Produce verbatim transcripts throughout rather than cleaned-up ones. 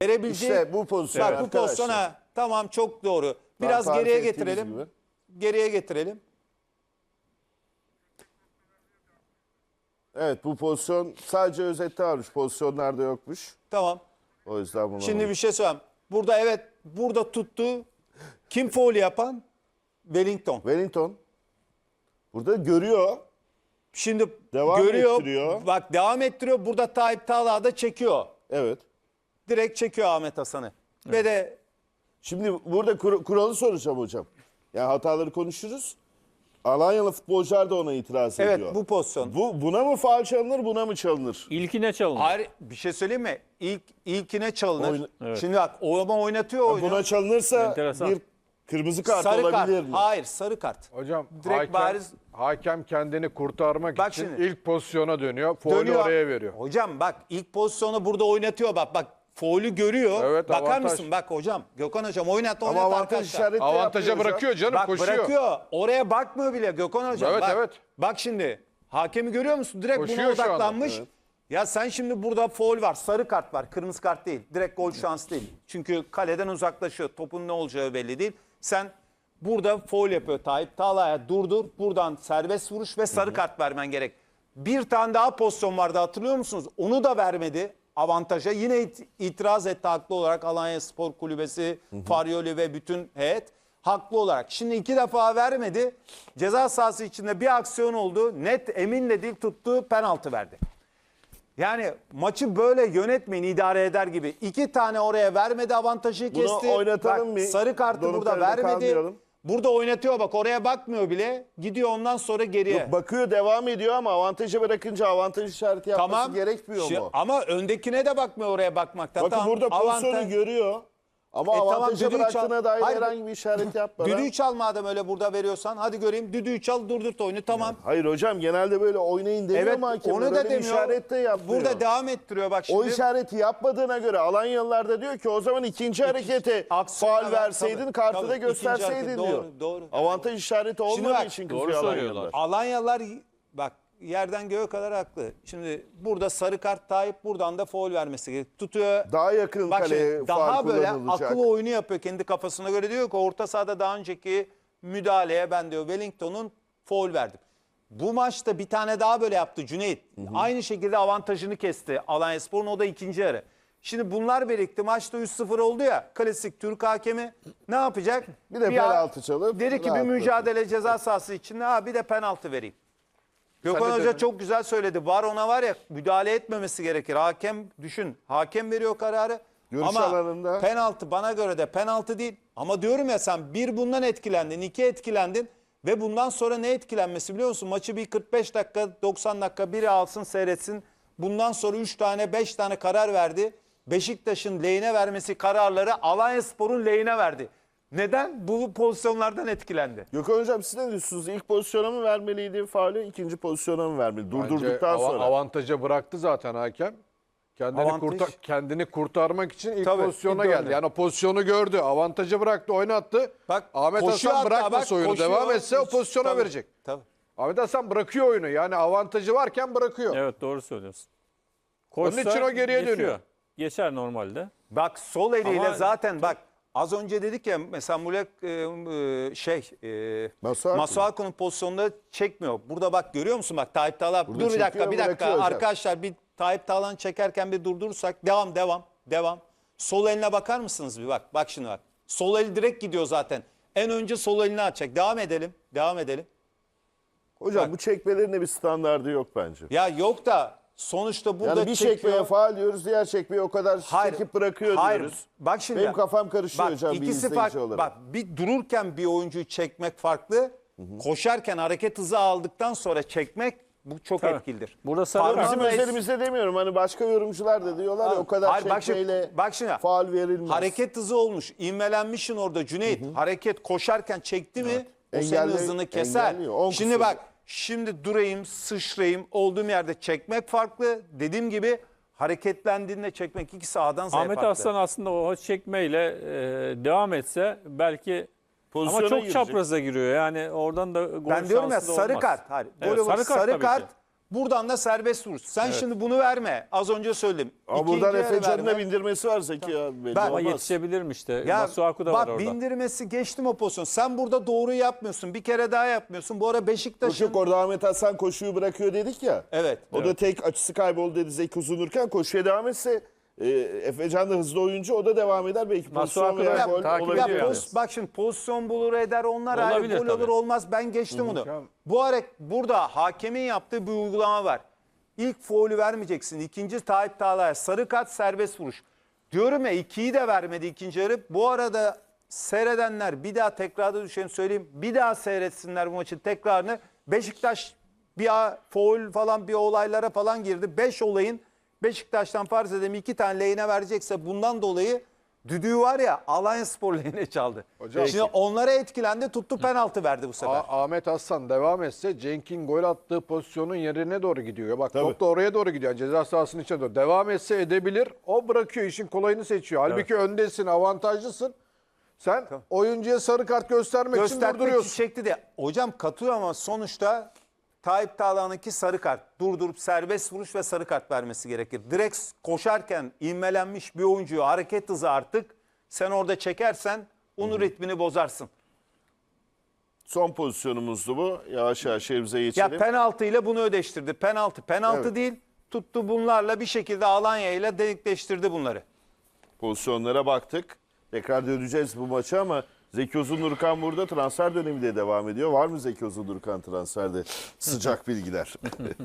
Verebileceği, İşte bu pozisyon bak bu arkadaşlar. pozisyona tamam çok doğru. Tam Biraz tarif geriye ettiğiniz getirelim. gibi. Geriye getirelim. Evet, bu pozisyon sadece özette varmış. Pozisyonlarda yokmuş. Tamam. O yüzden bunu Şimdi bir şey söyleyeyim. Burada evet burada tuttu. Kim faul yapan? Wellington. Wellington burada görüyor. Şimdi Devam görüyor. ettiriyor. Bak devam ettiriyor. Burada Tayyip Talha da çekiyor. Evet. Direkt çekiyor Ahmet Hasan'ı. Evet. Ve de Şimdi burada kur- kuralı soracağım hocam. Yani hataları konuşuruz. Alanya'lı futbolcular da ona itiraz evet ediyor. bu pozisyon. Bu buna mı faul çalınır, buna mı çalınır? İlkine çalınır. Hayır bir şey söyleyeyim mi? İlk ilkine çalınır. Oyna- Evet. Şimdi bak o ama oynatıyor oyunu. Buna çalınırsa Enteresan. bir kırmızı kart sarı kart. olabilir mi? Hayır sarı kart. Hocam Direkt hakem, bariz- hakem kendini kurtarmak Bak için şimdi. ilk pozisyona dönüyor. Faulü Dönüyor. oraya veriyor. Hocam bak ilk pozisyonu burada oynatıyor bak bak. Faulü görüyor. Evet, Bakar avantaj. mısın? Bak hocam. Gökhan hocam oynat oynat Ama avantaj arkadaşlar. işareti Avantaja yapmıyor hocam. bırakıyor canım, Bak koşuyor. bırakıyor. Oraya bakmıyor bile Gökhan hocam. Evet, bak, evet. Bak şimdi. Hakemi görüyor musun? Direkt Koşuyor buna şu anda. odaklanmış. Evet. Ya sen şimdi burada faul var. Sarı kart var. Kırmızı kart değil. Direkt gol şansı değil. Çünkü kaleden uzaklaşıyor. Topun ne olacağı belli değil. Sen burada faul yapıyor Tayyip Talha'ya durdur. Buradan serbest vuruş ve sarı kart vermen gerek. Bir tane daha pozisyon vardı hatırlıyor musunuz? Onu da vermedi avantaja. Yine it- itiraz etti haklı olarak Alanya Spor Kulübesi, Faryoli ve bütün heyet. Haklı olarak. Şimdi iki defa vermedi. Ceza sahası içinde bir aksiyon oldu. Net eminle değil tuttu penaltı verdi. Yani maçı böyle yönetmeyin idare eder gibi. İki tane oraya vermedi avantajı Bunu kesti. oynatalım Bak, bir. sarı kartı burada Donatello'da vermedi. kalmayalım. Burada oynatıyor bak oraya bakmıyor bile. Gidiyor ondan sonra geriye. Yok, bakıyor devam ediyor ama avantajı bırakınca avantaj işareti yapması Tamam. gerekmiyor Şi- mu? Ama öndekine de bakmıyor oraya bakmaktan. Bakın Tamam, burada pozisyonu avantaj- görüyor. Ama E tamam, avantaja düdüğü çal- bıraktığına dair Hayır, herhangi bir işaret yapmadan. Düdüğü çal madem öyle burada veriyorsan. Hadi göreyim düdüğü çal durdurt oyunu tamam. Hayır hocam genelde böyle oynayın demiyor Evet mu hakem? onu da Öyle bir demiyor. işaret de yapmıyor. Burada devam ettiriyor bak şimdi. O işareti yapmadığına göre Alanyalılar da diyor ki o zaman ikinci harekete aksiyona faul ver, verseydin tabii, kartı tabii. da İkinci gösterseydin hareket, diyor. doğru, doğru. Avantaj işareti olmadığı bak, için doğru kızıyor söylüyorlar. Alanyalılar. Alanyalar bak yerden göğe kadar haklı. Şimdi burada sarı kart Tayyip buradan da faul vermesi gerek. Tutuyor. Daha yakın Bak şimdi, kaleye daha faul böyle kullanılacak. akıl oyunu yapıyor kendi kafasına göre diyor ki orta sahada daha önceki müdahaleye ben diyor Wellington'un faul verdim. Bu maçta bir tane daha böyle yaptı Cüneyt. Aynı şekilde avantajını kesti Alanyaspor'un o da ikinci yarı. Şimdi bunlar birlikte maçta üç sıfır oldu ya klasik Türk hakemi ne yapacak? Bir de penaltı çalıp dedi ki bir rahatlatır. mücadele ceza sahası içinde ha bir de penaltı vereyim. Gökhan de Hoca dedin. çok güzel söyledi. Var ona var ya müdahale etmemesi gerekir. Hakem düşün. Hakem veriyor kararı. Görüş ama alanında. penaltı bana göre de penaltı değil. Ama diyorum ya sen bir bundan etkilendin, iki etkilendin ve bundan sonra ne etkilenmesi biliyor musun? Maçı bir kırk beş dakika, doksan dakika biri alsın seyretsin. Bundan sonra üç tane, beş tane karar verdi. Beşiktaş'ın lehine vermesi kararları Alanyaspor'un lehine verdi. Neden? Bu pozisyonlardan etkilendi. Gökhan hocam siz ne diyorsunuz? İlk pozisyona mı vermeliydi faulü, ikinci pozisyona mı vermeli? Durdurduktan Bence ava- sonra. avantaja bıraktı zaten hakem. Kendini, Avantaj. kurta- kendini kurtarmak için ilk Tabii, pozisyona ilk geldi. döndü. Yani o pozisyonu gördü. Avantajı bıraktı, oynattı. Bak, Ahmet koşuyor Hasan hatta, bırakmasa bak, oyunu koşuyor. devam etse o Hiç- pozisyona tabii, verecek. Tabii. Ahmet Hasan bırakıyor oyunu. Yani avantajı varken bırakıyor. Evet doğru söylüyorsun. Onun Koşsa için o geriye geçiyor. dönüyor. Geçer normalde. Bak sol eliyle Ama- zaten bak az önce dedik ya mesela Mulek e, e, şey e, Masuaku. Masuaku'nun pozisyonunda çekmiyor. Burada bak görüyor musun bak Tayyip Talha Burada dur bir dakika çekiyor, bir dakika bırakıyor hocam. arkadaşlar bir Tayyip Talha'nı çekerken bir durdurursak devam devam devam. Sol eline bakar mısınız bir bak bak şimdi bak. Sol el direkt gidiyor zaten. En önce sol elini açacak. Devam edelim. Devam edelim. Hocam Bak. bu çekmelerin de bir standardı yok bence. Ya yok da sonuçta burada Yani bir çekiyor. çekmeye faul diyoruz, diğer çekmeye o kadar çekip bırakıyor hayır. diyoruz. Bak şimdi. Benim kafam karışıyor bak, hocam bir ikisi izleyici farklı. olarak. Bak bir dururken bir oyuncuyu çekmek farklı. Koşarken hareket hızı aldıktan sonra çekmek bu çok Tabii. etkilidir. Burada sarı Parmağınla Bizim es- özelimizde demiyorum. Hani başka yorumcular da diyorlar ya o kadar Hayır, bak şimdi- çekmeyle bak şimdi. faul verilmez. Hareket hızı olmuş. İvmelenmişsin orada Cüneyt. Hareket koşarken çekti mi o senin Engelli- hızını keser. engelliyor. On Şimdi kusur. bak şimdi durayım sıçrayım olduğum yerde çekmek farklı. Dediğim gibi hareketlendiğinde çekmek ikisi A'dan Z'ye Ahmet farklı. Aslan aslında o çekmeyle e, devam etse belki Pozisyona ama çok girecek. çapraza giriyor. Yani oradan da gol Ben diyorum ya şansı da sarı olmaz. kart. Hayır. Evet, Golü- sarı kart sarı tabii kart ki. Buradan da serbest vuruş. Sen şimdi bunu verme. Az önce söyledim. Ama İkinci buradan yarı Efecan'ın da verme. bindirmesi var Zeki ya. Belli Ben- Ama olmaz. yetişebilirim işte. Ya Masuaku da bak var orada. bindirmesi geçtim o pozisyon. Sen burada doğruyu yapmıyorsun. Bir kere daha yapmıyorsun. Bu ara Yok Beşiktaş'ın... yok, orada Ahmet Hasan koşuyu bırakıyor dedik ya. Evet. O da tek açısı kayboldu dedi Zeki Uzunurken. Koşuya devam etse e, Efecan da hızlı oyuncu, o da devam eder. Belki pozisyon Masuaku veya da gol takip olabilir. ediyor Ya yani. poz- bak şimdi pozisyon bulur eder onlar ayrı, Olabilir gol olur tabii. olmaz, ben geçtim bunu. Bu ara burada hakemin yaptığı bir uygulama var. İlk faulü vermeyeceksin. İkinci Tayyip Tağlay'a sarı kart, serbest vuruş. Diyorum ya, ikiyi de vermedi ikinci yarı. Bu arada seyredenler bir daha tekrarda düşeni söyleyeyim. Bir daha seyretsinler bu maçın tekrarını. Beşiktaş bir a- faul falan bir olaylara falan girdi. Beş olayın Beşiktaş'tan farz edelim iki tane lehine verecekse bundan dolayı düdüğü var ya Alanyaspor lehine çaldı. Hocam- Şimdi onlara etkilendi, tuttu, penaltı verdi bu sefer. A- Ahmet Hasan devam etse Cenk'in gol attığı pozisyonun yerine doğru gidiyor. Bak Tabii. top da oraya doğru gidiyor. Yani ceza sahasının içine doğru. Devam etse edebilir. O bırakıyor, işin kolayını seçiyor. Halbuki öndesin, avantajlısın. Sen oyuncuya sarı kart göstermek için Göstermek durduruyorsun. çekti de. Hocam katıyor ama sonuçta Tayyip Tağlan'ınki sarı kart. Durdurup serbest vuruş ve sarı kart vermesi gerekir. Direkt koşarken ivmelenmiş bir oyuncuyu hareket hızı artık sen orada çekersen onun ritmini bozarsın. Son pozisyonumuzdu bu. Yavaş yavaş evimize Ya geçelim. penaltı ile bunu ödeştirdi. Penaltı penaltı Evet. değil. Tuttu bunlarla bir şekilde Alanya ile denkleştirdi bunları. Pozisyonlara baktık. Tekrar döneceğiz bu maça ama Zeki Uzundurkan burada, transfer dönemi de devam ediyor. Var mı Zeki Uzundurkan transferde sıcak bilgiler?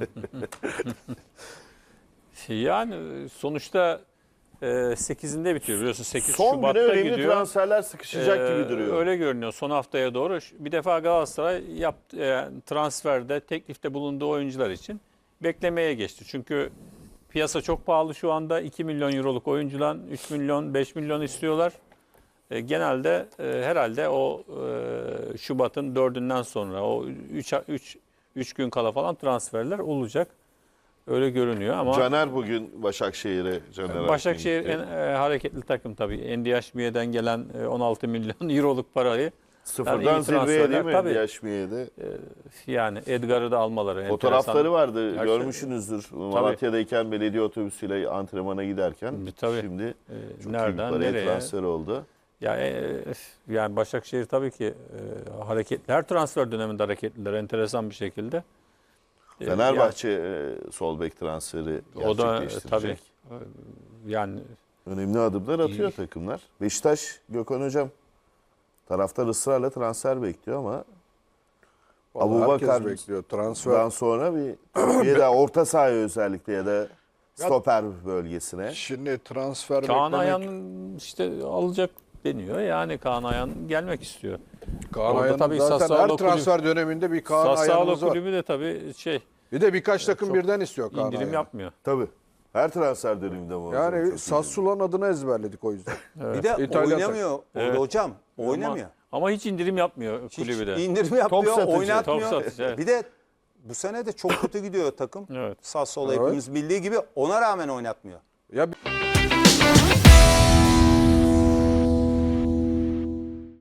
Yani sonuçta e, sekizinde bitiyor biliyorsun. sekiz Son güne Şubat'ta önemli gidiyor. transferler sıkışacak Ee, gibi duruyor. Öyle görünüyor son haftaya doğru. Bir defa Galatasaray yaptı, e, transferde, teklifte bulunduğu oyuncular için beklemeye geçti. Çünkü piyasa çok pahalı şu anda. iki milyon euroluk oyuncudan üç milyon, beş milyon istiyorlar. E, genelde e, herhalde o e, Şubat'ın dördünden sonra o üç gün kala falan transferler olacak. Öyle görünüyor ama Caner bugün Başakşehir'e. Caner Başakşehir Akgün en gitti. e, hareketli takım tabii. N D H B'den gelen e, on altı milyon euroluk parayı Sıfırdan yani iyi zirveye transferler, değil mi? tabii. Yaşmiye'de. yani Edgar'ı da almaları. Fotoğrafları enteresan. vardı, Gerçi- görmüşsünüzdür. Malatya'dayken belediye otobüsüyle antrenmana giderken. Tabii. Şimdi E, çok nereden, iyi bir paraya nereye? transfer oldu. Ya, e, yani Başakşehir tabii ki e, hareketli. Her transfer döneminde hareketliler enteresan bir şekilde. E, Fenerbahçe e, sol bek transferi yani o da e, gerçekleştirecek. tabii e, yani Önemli adımlar atıyor takımlar. Beşiktaş, Gökhan Hocam, taraftar ısrarla transfer bekliyor ama Vallahi Abubakar herkes bekliyor. Transfer. Daha sonra bir Türkiye'de orta sahaya özellikle ya da stoper bölgesine. Şimdi transfer Kaan beklemek. Ayhan işte alacak deniyor. Yani Kaan Ayhan gelmek istiyor. Kaan Orada Ayhan'ın tabii zaten her Sassuolo transfer döneminde bir Kaan Sassuolo Ayhan'ımız var. kulübü de tabii şey Bir de birkaç takım çok birden istiyor Kaan indirim Ayhan'ı. yapmıyor. Tabii. Her transfer döneminde bu. hocam, çok Yani iyi. Sassuolo'nun adını ezberledik o yüzden. Bir de İtalyan oynamıyor orada Evet. hocam. Oynamıyor. Ama, ama hiç indirim yapmıyor Hiç kulübü de. indirim yapmıyor, satıcı. oynatmıyor. Top satıcı, evet. Bir de bu sene de çok kötü gidiyor takım. Evet. Sassuolo Evet. hepimiz bildiği gibi ona rağmen oynatmıyor. Ya